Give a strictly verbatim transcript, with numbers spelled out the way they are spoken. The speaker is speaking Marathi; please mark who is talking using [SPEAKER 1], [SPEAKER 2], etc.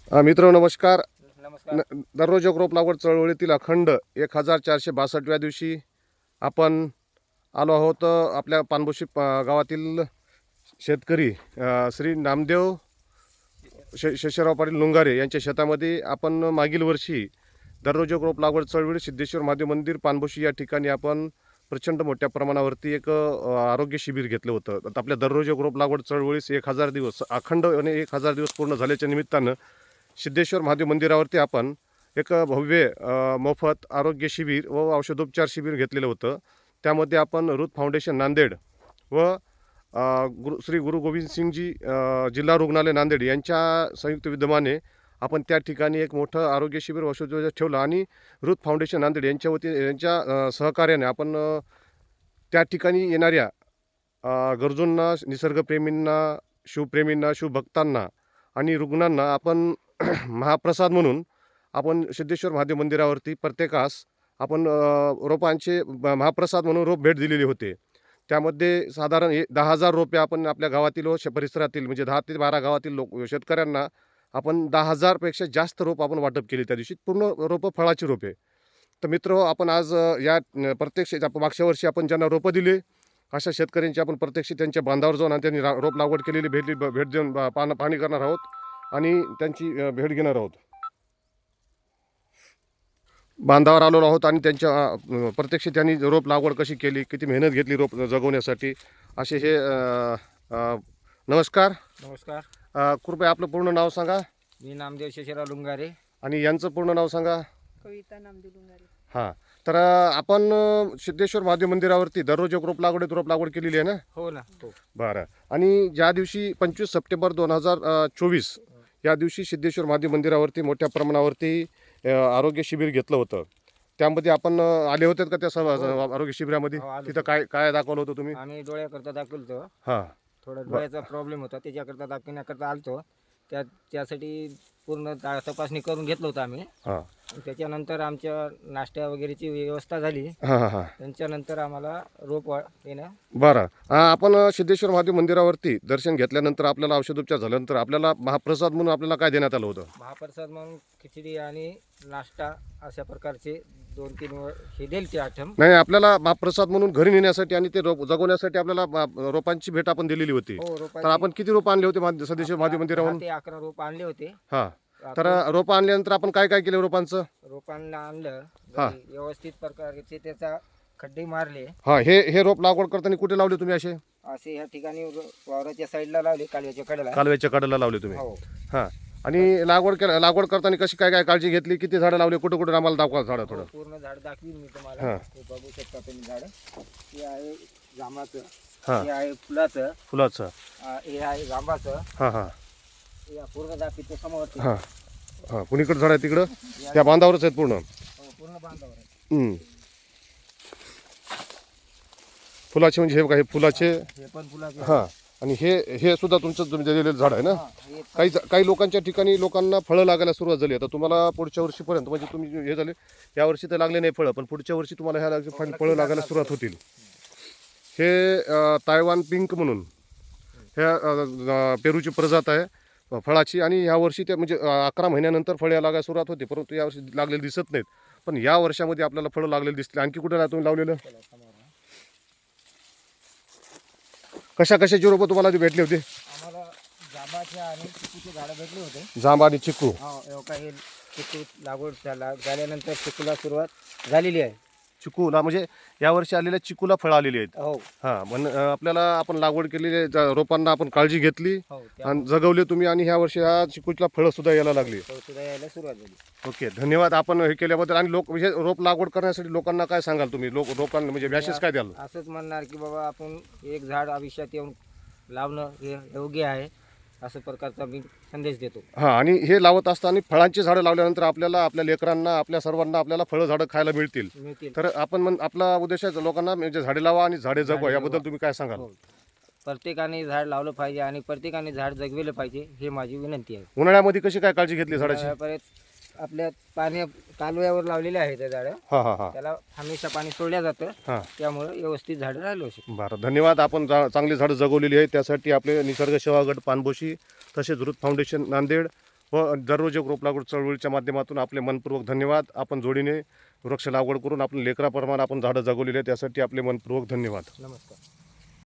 [SPEAKER 1] हा मित्र नमस्कार.
[SPEAKER 2] नमस्कार.
[SPEAKER 1] न दररोज एक रोप लागवड चळवळीतील अखंड एक हजार चारशे बासष्टव्या दिवशी आपण आलो आहोत. आपल्या पानबुशी प गावातील शेतकरी अ, श्री नामदेव शे शेषराव पाटील लुंगारे यांच्या शेतामध्ये आपण मागील वर्षी दररोज एक रोप लागवड चळवळी सिद्धेश्वर महादेव मंदिर पानबुशी या ठिकाणी आपण प्रचंड मोठ्या प्रमाणावरती एक अ, आरोग्य शिबिर घेतलं होतं. आता आपल्या दररोज एक रोप लागवड चळवळीस एक हजार दिवस अखंड आणि एक हजार दिवस पूर्ण झाल्याच्या निमित्तानं सिद्धेश्वर महादेव मंदिरावरती आपण एक भव्य अ, मोफत आरोग्य शिबिर व औषधोपचार शिबिर घेतलेलं होतं. त्यामध्ये आपण रुत फाउंडेशन नांदेड व अ, गुरु श्री गुरु गोविंद सिंगजी अ, जिल्हा रुग्णालय नांदेड यांच्या संयुक्त विद्यमाने आपण त्या ठिकाणी एक मोठं आरोग्य शिबिर औषधोपचार ठेवलं आणि रुत फाउंडेशन नांदेड यांच्या वती यांच्या अ, सहकार्याने आपण अ, त्या ठिकाणी येणाऱ्या अ, गरजूंना, निसर्गप्रेमींना, शिवप्रेमींना, शिवभक्तांना आणि रुग्णांना आपण महाप्रसाद म्हणून आपण सिद्धेश्वर महादेव मंदिरावरती प्रत्येकास आपण अ, रोपांचे ब- महाप्रसाद म्हणून रोप भेट दिलेले होते. त्यामध्ये साधारण हे दहा हजार रोपे आपण आपल्या गावातील व श परिसरातील म्हणजे दहा ते बारा गावातील लोक शेतकऱ्यांना आपण दहा हजारपेक्षा जास्त रोप आपण वाटप केली त्या दिवशी. पूर्ण रोपं फळाची रोपे. तर मित्र आपण आज अ, या अ, प्रत्यक्ष आपण मागच्या वर्षी आपण ज्यांना रोपं दिले अशा शेतकऱ्यांची आपण प्रत्यक्ष त्यांच्या बांधावर जाऊन आणि त्यांनी रा रोप लागवड केलेली भेटली ब- भेट देऊन बा- पान पाहणी करणार आहोत आणि त्यांची अ, भेट घेणार आहोत. बांधावर आलेलो आहोत आणि त्यांच्या अ, प्रत्यक्ष त्यांनी रोप लागवड कशी केली, किती मेहनत घेतली रोप जगवण्यासाठी असे हे अ, अ, नमस्कार.
[SPEAKER 2] नमस्कार.
[SPEAKER 1] अ, कृपया आपलं पूर्ण नाव सांगा
[SPEAKER 2] मी नामदेव शेषराव लुंगारे.
[SPEAKER 1] आणि यांचं पूर्ण नाव सांगा.
[SPEAKER 3] कविता नामदेव लुंगारे.
[SPEAKER 1] हां. तर अ, आपण अ, सिद्धेश्वर महादेव मंदिरावरती दररोज एक रोप लागवडीत रोप लागवड केलेली आहे ना?
[SPEAKER 2] हो ना. हो.
[SPEAKER 1] बरं. आणि ज्या दिवशी पंचवीस सप्टेंबर दोन हजार अ, चोवीस या दिवशी सिद्धेश्वर महादेव मंदिरावरती मोठ्या प्रमाणावरती अ, आरोग्य शिबिर घेतलं होतं. त्यामध्ये आपण अ, आले होते का त्या सभा आरोग्य शिबिरामध्ये?
[SPEAKER 2] हो, आलो
[SPEAKER 1] तिथं
[SPEAKER 2] होतो.
[SPEAKER 1] काय काय दाखवलं होतं तुम्ही?
[SPEAKER 2] आम्ही डोळ्याकरता दाखवलं होतं.
[SPEAKER 1] हां.
[SPEAKER 2] थोडा डोळ्याचा प्रॉब्लेम होता, त्याच्याकरता दाखवण्याकरता आलतो. त्या त्यासाठी पूर्ण ता- तपासणी करून घेतलं होतं आम्ही.
[SPEAKER 1] हां.
[SPEAKER 2] आणि त्याच्यानंतर आमच्या नाश्त्या वगैरेची व्यवस्था झाली.
[SPEAKER 1] हां हां हां.
[SPEAKER 2] त्यांच्यानंतर आम्हाला रोप वा- येणं.
[SPEAKER 1] बरं. अ, आपण अ, सिद्धेश्वर महादेव मंदिरावरती दर्शन घेतल्यानंतर आपल्याला औषधोपचार झाल्यानंतर आपल्याला महाप्रसाद म्हणून आपल्याला काय देण्यात आलं होतं?
[SPEAKER 2] महाप्रसाद म्हणून खिचडी आणि नाश्ता अशा प्रकारचे दोन तीन व- हे दिले ते आठम.
[SPEAKER 1] नाही, आपल्याला महाप्रसाद म्हणून घरी नेण्यासाठी आणि ते रोप जगवण्यासाठी आपल्याला मा- रोपांची भेट आपण दिलेली होती.
[SPEAKER 2] हो,
[SPEAKER 1] तर
[SPEAKER 2] रोपाची
[SPEAKER 1] आपण किती रोप आणले होते मा- सिद्धेश्वर महादेव मंदिरावरून?
[SPEAKER 2] दहा ते अकरा रोप आणले होते.
[SPEAKER 1] हां. तर रोप आणल्यानंतर आपण काय काय केलं रोपांचं?
[SPEAKER 2] रोपांना आणलं.
[SPEAKER 1] हा.
[SPEAKER 2] घरी व्यवस्थित प्रकारचे त्याचा खड्डे मारले.
[SPEAKER 1] हां. हे हे रोप लागवड करताना कुठे लावले तुम्ही असे?
[SPEAKER 2] असे ह्या ठिकाणी रो- वावराच्या साईडला लावले, कालव्याच्या कडेला.
[SPEAKER 1] कालव्याच्या कडेला लावले तुम्ही?
[SPEAKER 2] हो.
[SPEAKER 1] हां. आणि लागवड केल्या लागवड करताना कशी काय काय काळजी घेतली? किती झाडं लावले? कुठं कुठं आम्हाला दाखवा झाडं थोडं.
[SPEAKER 2] हो, पूर्ण झाड दाखवीन मी तुम्हाला.
[SPEAKER 1] हा.
[SPEAKER 2] हे बघू शकता तुम्ही झाड. हे आहे जांबाचं.
[SPEAKER 1] हां.
[SPEAKER 2] हे आहे फुलाचं.
[SPEAKER 1] फुलाचं.
[SPEAKER 2] आ, हे आहे जांबाचं.
[SPEAKER 1] हां हां
[SPEAKER 2] हे आहे पूर्ण दाखवतो समोर.
[SPEAKER 1] हां हां. कुणीकडं झाड आहे तिकडं? त्या बांधावरच आहेत पूर्ण.
[SPEAKER 2] हो, पूर्ण बांधावर आहे.
[SPEAKER 1] हं. फुलाचे म्हणजे हे काय हे फुलाचे?
[SPEAKER 2] हे पण फुलाचे.
[SPEAKER 1] हां. आणि हे हे सुद्धा तुमचं तुम्ही दिलेलं झाड आहे ना?
[SPEAKER 2] हा, हे
[SPEAKER 1] काही काही लोकांच्या ठिकाणी लोकांना फळं लागायला सुरुवात झाली. आता तुम्हाला पुढच्या वर्षीपर्यंत म्हणजे तुम्ही हे झाले या वर्षी तर लागले नाही फळं, पण पुढच्या वर्षी तुम्हाला ह्या लाग- फळ- फळं लागायला सुरुवात होतील. हे अ, तायवान पिंक म्हणून ह्या अ, अ, पेरूची प्रजात आहे अ, फळाची. आणि ह्या वर्षी ते म्हणजे अ, अकरा महिन्यानंतर फळे लागायला सुरुवात होते, परंतु यावर्षी लागलेले दिसत नाहीत. पण या वर्षामध्ये आपल्याला फळं लागलेली दिसतील. आणखी कुठे नाही तुम्ही लावलेलं? कशा कशाची रोपं तुम्हाला ती भेटली होती?
[SPEAKER 2] आम्हाला जांबाचे आणि चिकूचे झाडं भेटले होते.
[SPEAKER 1] जांब आणि चिकू.
[SPEAKER 2] हो, एवढा हे चिकू लागवड झाला झाल्यानंतर चिकूला सुरुवात झालेली आहे.
[SPEAKER 1] चिकूला म्हणजे यावर्षी आलेल्या चिकूला फळं आलेली आहेत.
[SPEAKER 2] हो.
[SPEAKER 1] हां. म्हण अ, आपल्याला आपण लागवड केलेल्या जा- रोपांना आपण काळजी घेतली
[SPEAKER 2] हो,
[SPEAKER 1] आणि जगवले तुम्ही आणि ह्या वर्षी ह्या चिकूला फळं सुद्धा यायला लागली.
[SPEAKER 2] सुद्धा यायला सुरुवात झाली.
[SPEAKER 1] ओके, धन्यवाद आपण हे केल्याबद्दल. आणि लोक म्हणजे रोप लागवड करण्यासाठी लोकांना काय सांगाल तुम्ही? लोक लोकांना म्हणजे मॅसेज काय द्याल?
[SPEAKER 2] असंच म्हणणार की बाबा आपण एक झाड आयुष्यात येऊन लावणं हे योग्य आहे, असं प्रकारचा मी संदेश देतो.
[SPEAKER 1] हां. आणि हे लावत असताना फळांची झाडं लावल्यानंतर आपल्याला आपल्या लेकरांना आपल्या सर्वांना आपल्याला फळं झाडं खायला मिळतील.
[SPEAKER 2] मिळतील.
[SPEAKER 1] तर आपण म्हण आपला उद्देश आहे लोकांना म्हणजे झाडे लावा आणि झाडे जगवा. याबद्दल तुम्ही काय सांगाल?
[SPEAKER 2] हो. प्रत्येकाने झाड लावलं पाहिजे आणि प्रत्येकाने झाड जगविलं पाहिजे, हे माझी विनंती आहे.
[SPEAKER 1] उन्हाळ्यामध्ये कशी काय काळजी घेतली झाडाची?
[SPEAKER 2] परत आपल्या पाणी कालव्यावर लावलेले आहे ते झाडं.
[SPEAKER 1] हां हां हां
[SPEAKER 2] त्याला हमेशा पाणी सोडल्या जातं,
[SPEAKER 1] हां.
[SPEAKER 2] त्यामुळे व्यवस्थित झाडं राहिलो शकतात.
[SPEAKER 1] बरं, धन्यवाद. आपण जा चांगली झाडं जगवलेली आहेत. त्यासाठी आपले निसर्ग सेवा गट पानबोशी तसेच रुत फाउंडेशन नांदेड व दररोज एक रोप लागवड चळवळीच्या माध्यमातून आपले मनपूर्वक धन्यवाद. आपण जोडीने वृक्ष लागवड करून आपण लेकराप्रमाणे आपण झाडं जगवलेली आहेत, त्यासाठी आपले मनपूर्वक धन्यवाद.
[SPEAKER 2] नमस्कार.